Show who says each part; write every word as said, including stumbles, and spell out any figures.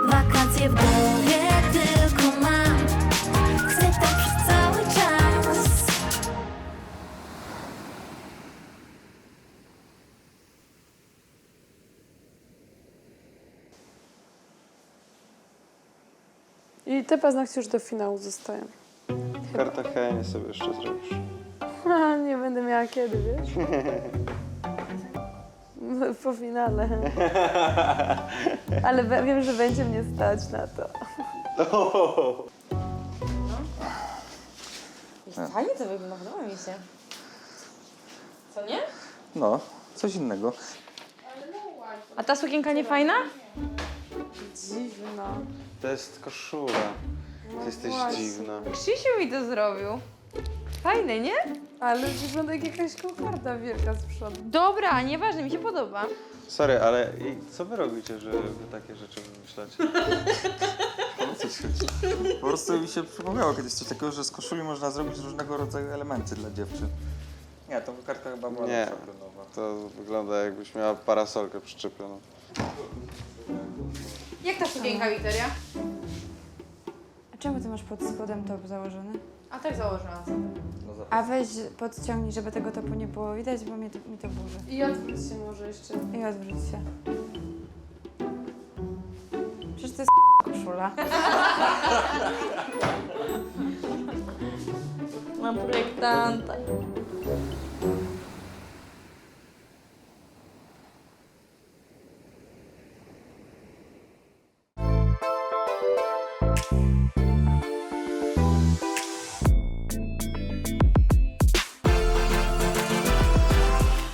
Speaker 1: Wakacje w głowie tylko mam. Chcę tak przez cały czas.
Speaker 2: I te paznokcie już do finału zostają.
Speaker 3: W Kartagenie sobie jeszcze zrobisz.
Speaker 2: Ha, nie będę miała kiedy, wiesz? No, po finale. Ale we- wiem, że będzie mnie stać na to.
Speaker 4: Fajnie to wygląda, podoba mi się. Co nie?
Speaker 5: No, coś innego.
Speaker 4: A ta sukienka nie fajna?
Speaker 2: Dziwna.
Speaker 3: To jest koszula. Ty jesteś
Speaker 2: właśnie.
Speaker 3: dziwna.
Speaker 4: Krzysiu mi to zrobił. Fajne, nie?
Speaker 2: Ale wygląda jak jakaś kokarda wielka z przodu.
Speaker 4: Dobra, nieważne, mi się podoba.
Speaker 3: Sorry, ale i co wy robicie, że wy takie rzeczy wymyślacie?
Speaker 5: No coś chodzi. Po prostu mi się przypomniało kiedyś coś takiego, że z koszuli można zrobić różnego rodzaju elementy dla dziewczyn. Nie, to kartka chyba była
Speaker 3: Nie,
Speaker 5: lepsza klonowa.
Speaker 3: to wygląda jakbyś miała parasolkę przyczepioną.
Speaker 4: Jak ta sukienka, Wiktoria?
Speaker 6: A czemu ty masz pod spodem top założony?
Speaker 4: A tak założyłam sobie.
Speaker 5: No za-
Speaker 6: A weź podciągnij, żeby tego topu nie było widać, bo mnie to, mi to burzy.
Speaker 2: I odwróć się może jeszcze.
Speaker 6: I odwróć się. Przecież to jest koszula.
Speaker 4: Mam projektanta.